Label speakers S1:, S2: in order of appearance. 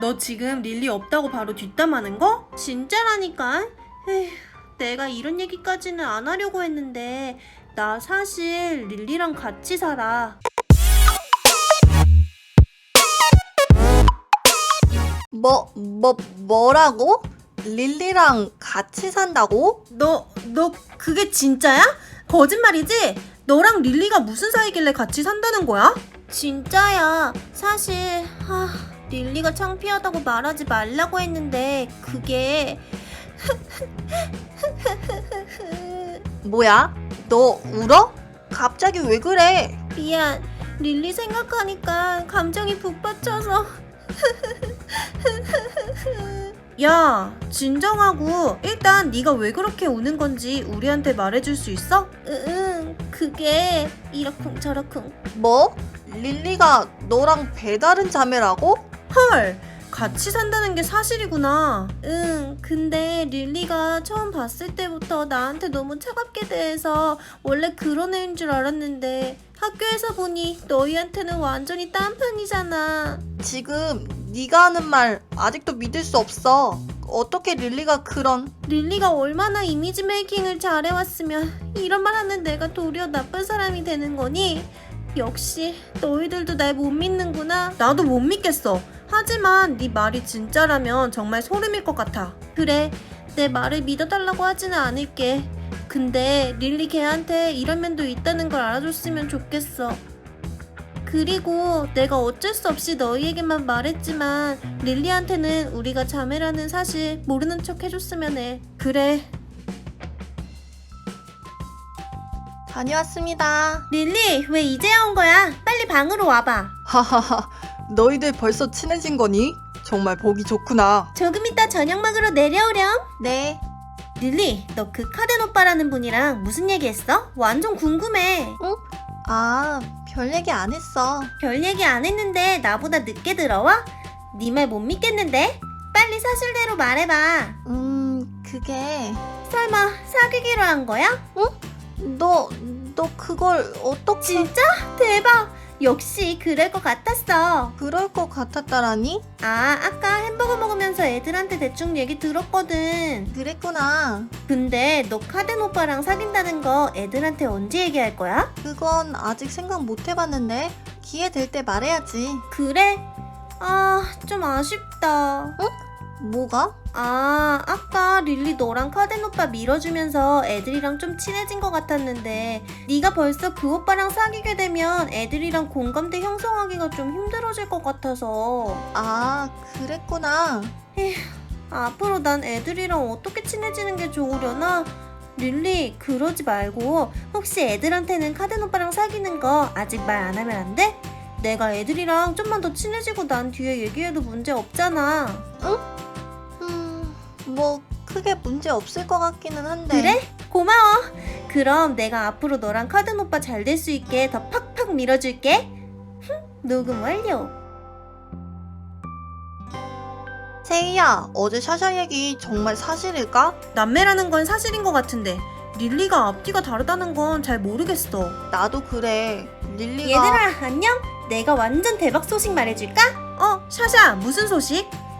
S1: 너 지금 릴리 없다고 바로 뒷담하는 거? 진짜라니까? 에휴, 내가 이런 얘기까지는 안 하려고 했는데 나 사실 릴리랑 같이 살아.
S2: 뭐라고? 릴리랑 같이 산다고?
S1: 너 그게 진짜야? 거짓말이지? 너랑 릴리가 무슨 사이길래 같이 산다는 거야? 진짜야. 사실 릴리가 창피하다고 말하지 말라고 했는데 그게
S2: 뭐야? 너 울어? 갑자기 왜 그래?
S1: 미안. 릴리 생각하니까 감정이 북받쳐서 야, 진정하고 일단 네가 왜 그렇게 우는 건지 우리한테 말해줄 수 있어? 응, 그게 이러쿵저러쿵.
S2: 뭐? 릴리가 너랑 배다른 자매라고?
S1: 헐, 같이 산다는 게 사실이구나. 응, 근데 릴리가 처음 봤을 때부터 나한테 너무 차갑게 대해서 원래 그런 애인 줄 알았는데 학교에서 보니 너희한테는 완전히 딴판이잖아.
S2: 지금 네가 하는 말 아직도 믿을 수 없어. 어떻게 릴리가 그런...
S1: 릴리가 얼마나 이미지 메이킹을 잘해왔으면 이런 말 하는 내가 도리어 나쁜 사람이 되는 거니? 역시 너희들도 날 못 믿는구나. 나도 못 믿겠어. 하지만 네 말이 진짜라면 정말 소름일 것 같아. 그래, 내 말을 믿어달라고 하지는 않을게. 근데 릴리 걔한테 이런 면도 있다는 걸 알아줬으면 좋겠어. 그리고 내가 어쩔 수 없이 너희에게만 말했지만 릴리한테는 우리가 자매라는 사실 모르는 척 해줬으면 해. 그래.
S2: 다녀왔습니다.
S1: 릴리, 왜 이제야 온 거야? 빨리 방으로 와봐.
S2: 하하하, 너희들 벌써 친해진 거니? 정말 보기 좋구나.
S1: 조금 이따 저녁 먹으러 내려오렴.
S2: 네.
S1: 릴리, 너 그 카덴 오빠라는 분이랑 무슨 얘기했어? 완전 궁금해.
S2: 별 얘기 안 했어.
S1: 별 얘기 안 했는데 나보다 늦게 들어와? 네 말 못 믿겠는데? 빨리 사실대로 말해봐.
S2: 그게...
S1: 설마 사귀기로 한 거야?
S2: 너 그걸 어떻게...
S1: 진짜? 대박! 역시 그럴 것 같았어.
S2: 그럴 것 같았다라니?
S1: 아까 햄버거 먹으면서 애들한테 대충 얘기 들었거든.
S2: 그랬구나.
S1: 근데 너 카덴 오빠랑 사귄다는 거 애들한테 언제 얘기할 거야?
S2: 그건 아직 생각 못 해봤는데 기회 될 때 말해야지.
S1: 그래? 좀 아쉽다.
S2: 뭐가?
S1: 아까 릴리 너랑 카덴 오빠 밀어주면서 애들이랑 좀 친해진 것 같았는데 네가 벌써 그 오빠랑 사귀게 되면 애들이랑 공감대 형성하기가 좀 힘들어질 것 같아서.
S2: 그랬구나.
S1: 앞으로 난 애들이랑 어떻게 친해지는 게 좋으려나? 릴리, 그러지 말고 혹시 애들한테는 카덴 오빠랑 사귀는 거 아직 말 안 하면 안 돼? 내가 애들이랑 좀만 더 친해지고 난 뒤에 얘기해도 문제 없잖아.
S2: 뭐 크게 문제 없을 것 같기는 한데.
S1: 그래? 고마워. 그럼 내가 앞으로 너랑 카덴 오빠 잘 될 수 있게 더 팍팍 밀어줄게. 녹음 완료.
S2: 세이야, 어제 샤샤 얘기 정말 사실일까?
S1: 남매라는 건 사실인 것 같은데 릴리가 앞뒤가 다르다는 건 잘 모르겠어.
S2: 나도 그래. 릴리가...
S1: 얘들아, 안녕? 내가 완전 대박 소식 말해줄까? 샤샤, 무슨 소식?